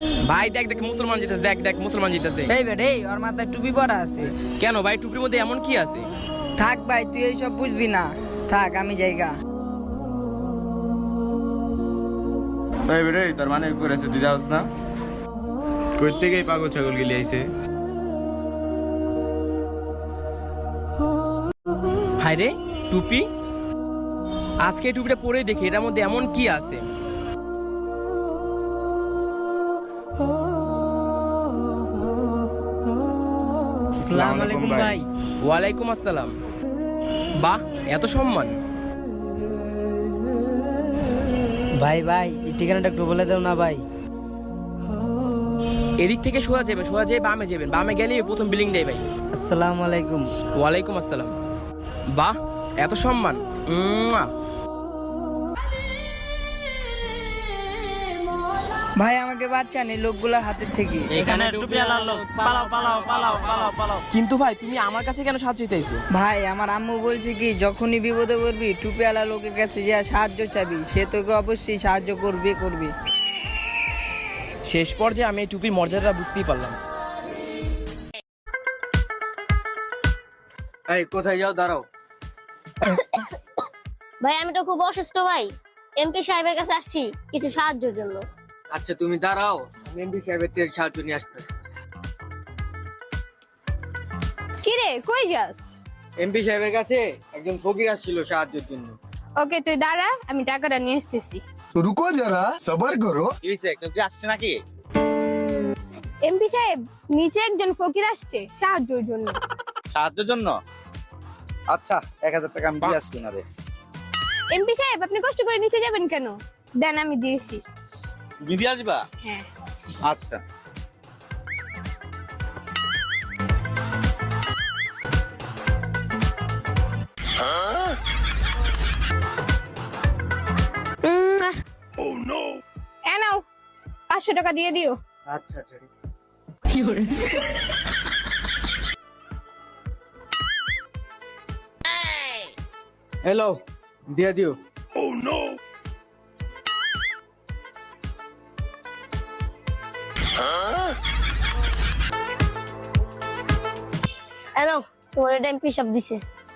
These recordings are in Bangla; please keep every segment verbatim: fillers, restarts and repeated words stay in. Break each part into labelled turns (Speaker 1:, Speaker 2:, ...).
Speaker 1: ভাই দেখ দেখ মুসলমান জিতেছে, দেখ দেখ মুসলমান জিতেছে।
Speaker 2: এই বেটা, এই ওর মাথায় টুপি পরা আছে।
Speaker 1: কেন ভাই, টুপির মধ্যে এমন কি আছে?
Speaker 2: থাক ভাই, তুই এইসব বুঝবি না, থাক আমি যাইগা।
Speaker 3: এই বেরে তোর মানে করেছে তুই যাস না? কই থেকে এই পাগল ছাগল গিলি আইছে?
Speaker 1: হায় রে, টুপি। আজকে এই টুপিটা পরেই দেখি এটার মধ্যে এমন কি আছে।
Speaker 3: আসসালামু আলাইকুম ভাই।
Speaker 1: ওয়ালাইকুম আসসালাম। বাহ, এত সম্মান।
Speaker 4: ভাই ভাই এই ঠিকানাটা একটু বলে দাও না ভাই।
Speaker 1: এদিক থেকে সোজা যাবেন, সোজা যেয়ে বামে যাবেন, বামে গেলেই প্রথম বিল্ডিং নেই ভাই।
Speaker 4: আসসালামু আলাইকুম।
Speaker 1: ওয়ালাইকুম আসসালাম। বাহ, এত সম্মান। উম্মুয়া।
Speaker 2: ভাই আমাকে বাঁচান এই লোকগুলা হাতের থেকে।
Speaker 4: এখানে টুপিওয়ালা লোক, পালাও পালাও পালাও পালাও পালাও।
Speaker 1: কিন্তু ভাই তুমি আমার কাছে কেন সাহায্য চাইছো?
Speaker 2: ভাই আমার আম্মু বলছে কি, যখনই বিপদে পড়বি টুপিওয়ালা লোকের কাছে যা সাহায্য চাবি, সে তোকে অবশ্যই সাহায্য করবে করবে।
Speaker 1: শেষ পর্যায়ে আমি এই টুপির মর্যাদাটা বুঝতেই পারলাম।
Speaker 4: এই কোথায় যাও, দাঁড়াও।
Speaker 5: ভাই আমি তো খুব অসুস্থ ভাই, এমপি সাহেবের কাছে আসছি কিছু সাহায্যের জন্য।
Speaker 4: আচ্ছা তুমি দাঁড়াও, আমি এমপি সাহেবের থেকে সাহায্য নিয়ে আসতেছি।
Speaker 5: কি রে, কই যাস?
Speaker 4: এমপি সাহেবের কাছে একজন ফকির আসছিল সাহায্যের জন্য।
Speaker 5: ওকে তুই দাঁড়া, আমি টাকাটা নিয়ে আসতেছি।
Speaker 6: तो रुको जरा सबर करो।
Speaker 4: কি হইছে, কেউ কি আসছে নাকি?
Speaker 5: এমপি সাহেব, নিচে একজন ফকির আসছে সাহায্যের জন্য।
Speaker 3: সাহায্যের জন্য? আচ্ছা, এক হাজার টাকা আমি দিয়ে আসছি না রে।
Speaker 5: এমপি সাহেব আপনি কষ্ট করে নিচে যাবেন কেন? দেন আমি দিয়েছি।
Speaker 3: তুমি দিয়ে আসবা?
Speaker 5: হ্যাঁ।
Speaker 3: আচ্ছা।
Speaker 5: এ নাও, পাঁচশো টাকা দিয়ে দিও।
Speaker 4: আচ্ছা আচ্ছা। হ্যালো, দিয়ে দিও।
Speaker 5: এ নাও, তোমার এটা এমপি সাহেব দিছে।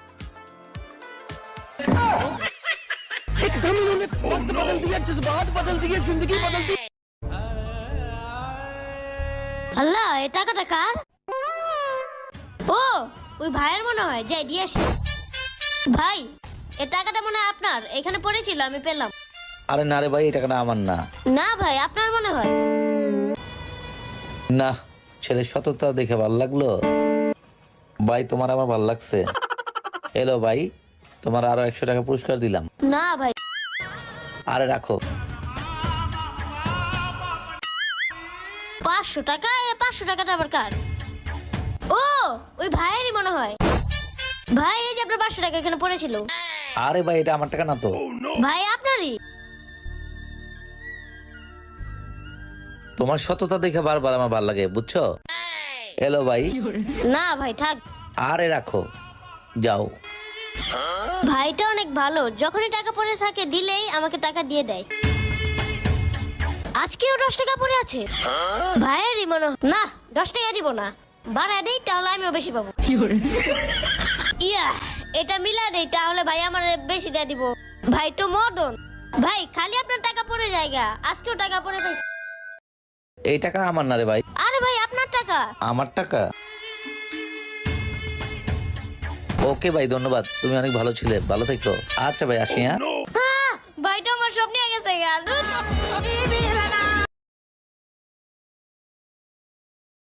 Speaker 5: আল্লাহ, এই টাকাটা কার? ও, ওই ভাইয়ের মনে হয়, যাই দিয়ে আসি। ভাই, এই টাকাটা মনে হয় আপনার, এখানে পড়েছিল আমি পেলাম।
Speaker 7: আরে না রে ভাই, এই টাকাটা আমার না।
Speaker 5: না ভাই, আপনার মনে হয়।
Speaker 7: না, ছেলের সততা দেখে ভালো লাগলো ভাই, তোমার আমার ভালো লাগছে। এলো ভাই, তোমার আরো একশো টাকা পুরস্কার দিলাম।
Speaker 5: না ভাই।
Speaker 7: আরে রাখো।
Speaker 5: পাঁচশো টাকা, এ পাঁচশো টাকাটা আবার কার? ও, ওই ভাইয়েরই মনে হয়। ভাই এই যে আপনার পাঁচশো টাকা এখানে পড়েছিল।
Speaker 7: আরে ভাই, এটা আমার টাকা না তো।
Speaker 5: ভাই আপনারই।
Speaker 7: তোমার সততা দেখে বারবার আমার ভালো লাগে, বুঝছো? এলো ভাই।
Speaker 5: না ভাই থাক।
Speaker 7: আরে রাখো, যাও।
Speaker 5: ভাইটা অনেক ভালো, যখনই টাকা পড়ে থাকে দিলেই আমাকে টাকা দিয়ে দেয়। আজকেও দশ টাকা পড়ে আছে। ভাইয়েরই মনে হয়। না, দশ টাকা দিব না, বাড়া দেই তাহলে আমিও বেশি পাবো। ইয়া, এটা মিলা দেই তাহলে ভাই আমার বেশি দিয়ে দিব। ভাই তো মদন। ভাই খালি আপনার টাকা পড়ে জায়গা, আজকেও টাকা পড়ে পাইছি।
Speaker 7: এই টাকা আমার না রে ভাই।
Speaker 5: আরে ভাই আপনার টাকা।
Speaker 7: আমার টাকা? ওকে ভাই, ধন্যবাদ, তুমি অনেক ভালো ছিলে, ভালো থেকো। আচ্ছা ভাই, আসি। হ্যাঁ,
Speaker 5: ভাইটা আমার সব নিয়ে গেছে গা।